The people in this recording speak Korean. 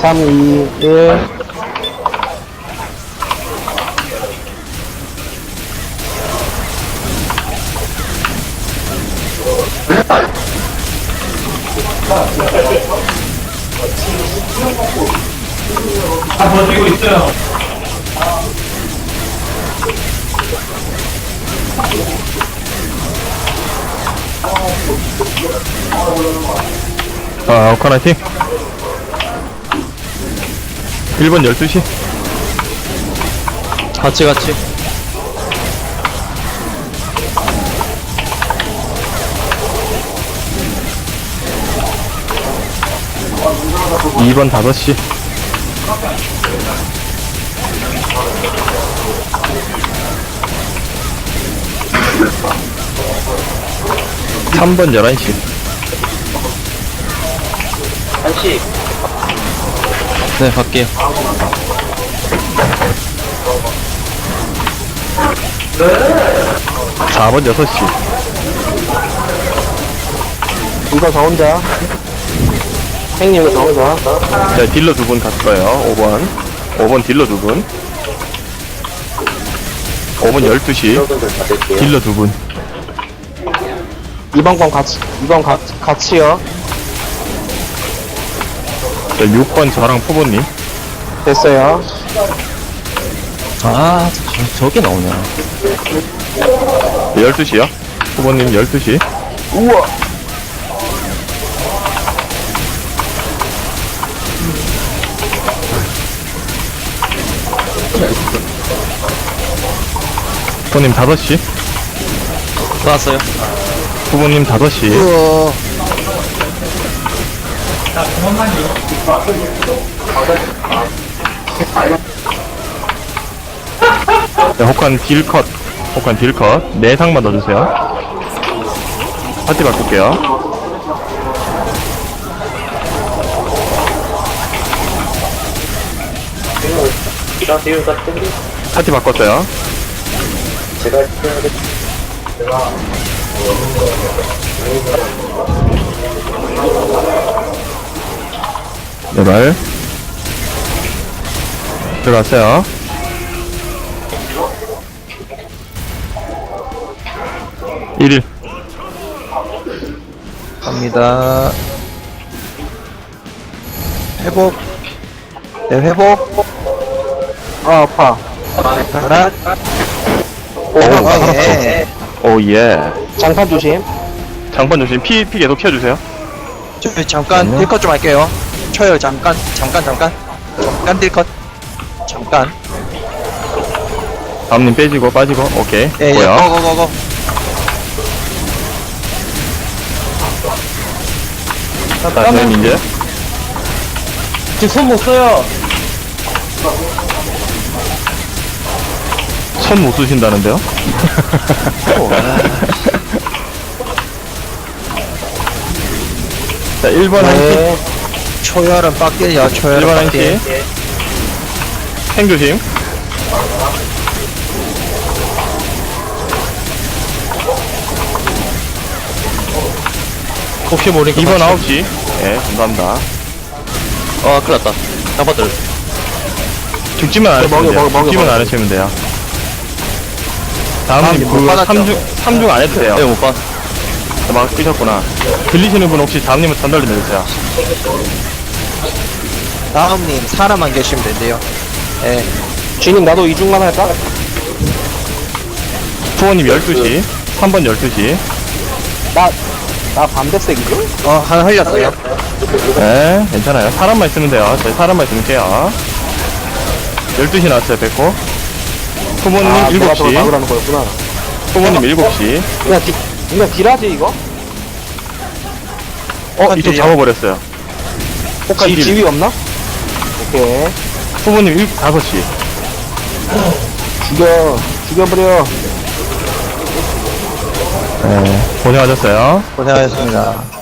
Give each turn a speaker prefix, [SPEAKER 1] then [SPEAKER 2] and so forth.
[SPEAKER 1] 3, 2, 1.
[SPEAKER 2] 다 버티고 있어요.
[SPEAKER 3] 오카나이팅 1번 12시
[SPEAKER 4] 같이.
[SPEAKER 3] 2번 5시 3번 11시
[SPEAKER 4] 네, 갈게요.
[SPEAKER 3] 4번 6시
[SPEAKER 1] 이거 저 혼자. 행님 이거 저 혼자.
[SPEAKER 3] 자 딜러 2분 갔을 거예요 5번 딜러 2분 5번 12시 딜러 2분
[SPEAKER 1] 2번 건 같이요.
[SPEAKER 3] 자 6번 저랑 포보님
[SPEAKER 1] 됐어요.
[SPEAKER 4] 아, 저게 나오냐.
[SPEAKER 3] 12시요 포보님 12시
[SPEAKER 1] 우와.
[SPEAKER 3] 포보님 5시
[SPEAKER 4] 나왔어요.
[SPEAKER 3] 포보님 5시
[SPEAKER 4] 우와.
[SPEAKER 2] 자, 그만만요.
[SPEAKER 3] 자, 혹한 딜컷 내상만 넣어주세요 파티 바꿀게요 파티 바꿨어요 제발 들어갔어요 1일
[SPEAKER 4] 갑니다. 회복. 네, 회복.
[SPEAKER 1] 아, 아파.
[SPEAKER 4] 하나.
[SPEAKER 3] 오
[SPEAKER 4] 예.
[SPEAKER 3] 오예
[SPEAKER 1] 장판 조심.
[SPEAKER 3] 장판 조심 피 계속 키워주세요
[SPEAKER 4] 저 잠깐 딜컷 좀 할게요. 쳐요. 잠깐 딜컷. 잠깐.
[SPEAKER 3] 다음님 빼지고 빠지고 오케이
[SPEAKER 4] 예,
[SPEAKER 3] 뭐야
[SPEAKER 4] 고고고고.
[SPEAKER 3] 자 선생님 이제
[SPEAKER 1] 지금 손 못 써요.
[SPEAKER 3] 손 못 쓰신다는데요? 자 1번 한시
[SPEAKER 1] 네.
[SPEAKER 4] 초열은 빡딜이야.
[SPEAKER 3] 1번
[SPEAKER 4] 초열은
[SPEAKER 3] 한시
[SPEAKER 4] 빡딜.
[SPEAKER 3] 행 조심
[SPEAKER 4] 혹시 모르니까
[SPEAKER 3] 2번 9시 예 감사합니다
[SPEAKER 4] 큰일났다. 장판들.
[SPEAKER 3] 죽지만 안 하시면 돼요
[SPEAKER 1] 먹여.
[SPEAKER 3] 죽지만 안 하시면 돼요 다음님
[SPEAKER 4] 못
[SPEAKER 3] 그
[SPEAKER 4] 받았죠?
[SPEAKER 3] 3중 안 해도 돼요
[SPEAKER 4] 네, 못 봐.
[SPEAKER 3] 막 끄셨구나 들리시는 분 혹시 다음님은 전달 좀 해주세요
[SPEAKER 4] 다음님 사람만 계시면 된대요. 예.
[SPEAKER 1] 주인님 나도 이중만 할까?
[SPEAKER 3] 후원님 12시 3번 12시
[SPEAKER 1] 나 반대색이죠?
[SPEAKER 4] 하나 흘렸어요.
[SPEAKER 3] 네 괜찮아요 사람만 있으면 돼요 저희 사람만 있으면 돼요 12시 나왔어요 뵙고 후보님
[SPEAKER 1] 아, 내가 저걸
[SPEAKER 3] 7시
[SPEAKER 1] 막으라는 거였구나.
[SPEAKER 3] 후보님 7시
[SPEAKER 1] 그냥 딜하지, 이거?
[SPEAKER 3] 이쪽
[SPEAKER 4] 딜이요?
[SPEAKER 3] 잡아버렸어요 혹한 딜
[SPEAKER 1] 지위 없나? 오케이.
[SPEAKER 3] 후보님 5시
[SPEAKER 1] 죽여버려.
[SPEAKER 3] 네 고생하셨어요
[SPEAKER 4] 고생하셨습니다.